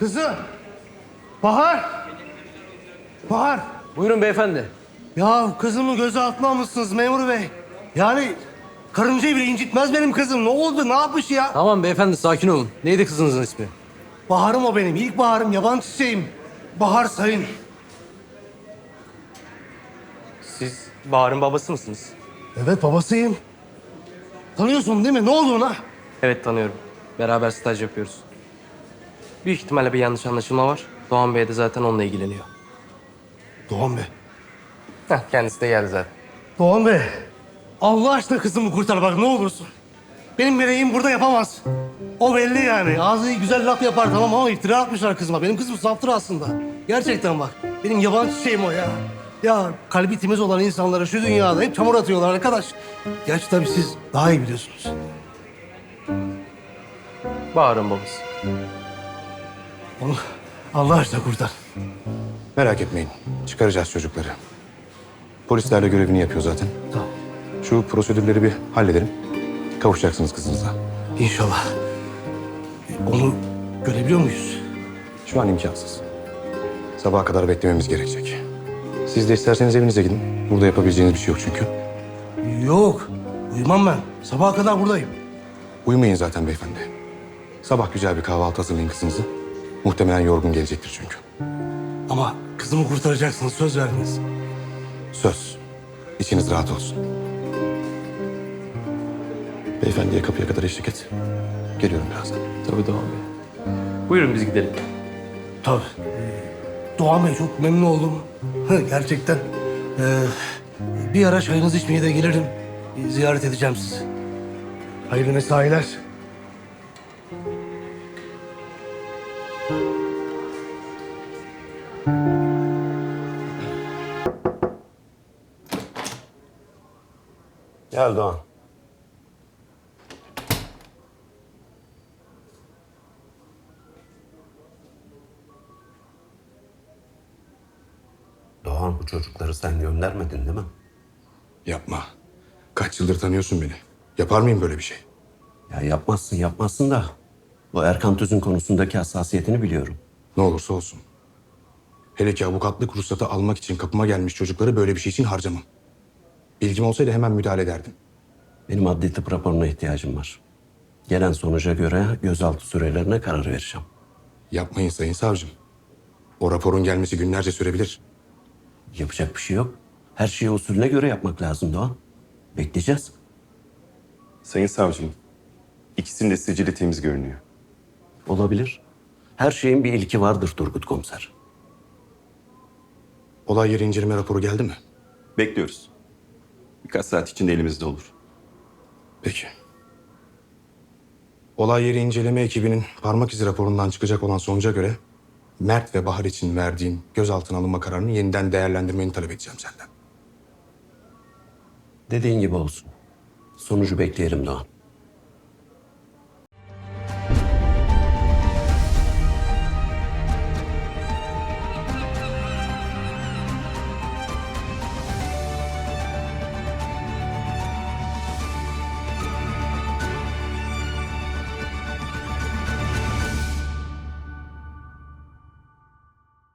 Kızım. Bahar. Bahar. Buyurun beyefendi. Ya kızımı gözaltına almışsınız memur bey. Yani karıncayı bile incitmez benim kızım. Ne oldu? Ne yapmış ya? Tamam beyefendi sakin olun. Neydi kızınızın ismi? Baharım o benim. İlk baharım. Yaban çiçeğim. Bahar Sayın. Siz Bahar'ın babası mısınız? Evet babasıyım. Tanıyorsun değil mi? Ne oldu ona? Evet tanıyorum. Beraber staj yapıyoruz. Büyük ihtimalle bir yanlış anlaşılma var. Doğan Bey de zaten onunla ilgileniyor. Doğan Bey. Kendisi de geldi zaten. Doğan Bey. Allah aşkına kızımı kurtar bak ne olursun. Benim meleğim burada yapamaz. O belli yani. Ağzı güzel laf yapar tamam ama iftira atmışlar kızıma. Benim kızım saftır aslında. Gerçekten bak. Benim yaban çiçeğim o ya. Ya kalbi temiz olan insanlara şu dünyada hep çamur atıyorlar arkadaş. Gerçi tabii siz daha iyi biliyorsunuz. Bahar'ın babası. Onu Allah aşkına kurtar. Merak etmeyin. Çıkaracağız çocukları. Polislerle görevini yapıyor zaten. Tamam. Şu prosedürleri bir halledelim. Kavuşacaksınız kızınıza. İnşallah. Onu görebiliyor muyuz? Şu an imkansız. Sabaha kadar beklememiz gerekecek. Siz de isterseniz evinize gidin. Burada yapabileceğiniz bir şey yok çünkü. Yok. Uyumam ben. Sabaha kadar buradayım. Uyumayın zaten beyefendi. Sabah güzel bir kahvaltı hazırlayın kızınızı. Muhtemelen yorgun gelecektir çünkü. Ama kızımı kurtaracaksınız. Söz verdiniz. Söz. İçiniz rahat olsun. Beyefendiye kapıya kadar eşlik et. Geliyorum birazdan. Tabii Doğan Bey. Buyurun biz gidelim. Tabii. Doğan Bey çok memnun oldum. Gerçekten. Bir ara çayınızı içmeye de gelirim. Ziyaret edeceğim sizi. Hayırlı mesailer. Gel Doğan. Doğan bu çocukları sen göndermedin değil mi? Yapma. Kaç yıldır tanıyorsun beni. Yapar mıyım böyle bir şey? Ya yapmazsın da bu Erkan Tüz'ün konusundaki hassasiyetini biliyorum. Ne olursa olsun. Hele ki avukatlık ruhsatı almak için kapıma gelmiş çocukları böyle bir şey için harcamam. Bilgim olsaydı hemen müdahale ederdim. Benim adli tıp raporuna ihtiyacım var. Gelen sonuca göre gözaltı sürelerine karar vereceğim. Yapmayın sayın savcım. O raporun gelmesi günlerce sürebilir. Yapacak bir şey yok. Her şeyi usulüne göre yapmak lazım Doğan. Bekleyeceğiz. Sayın savcım, ikisinin de sicili temiz görünüyor. Olabilir. Her şeyin bir ilki vardır Turgut Komiser. Olay yeri inceleme raporu geldi mi? Bekliyoruz. Birkaç saat içinde elimizde olur. Peki. Olay yeri inceleme ekibinin parmak izi raporundan çıkacak olan sonuca göre Mert ve Bahar için verdiğin gözaltına alınma kararını yeniden değerlendirmeni talep edeceğim senden. Dediğin gibi olsun. Sonucu bekleyelim Doğan.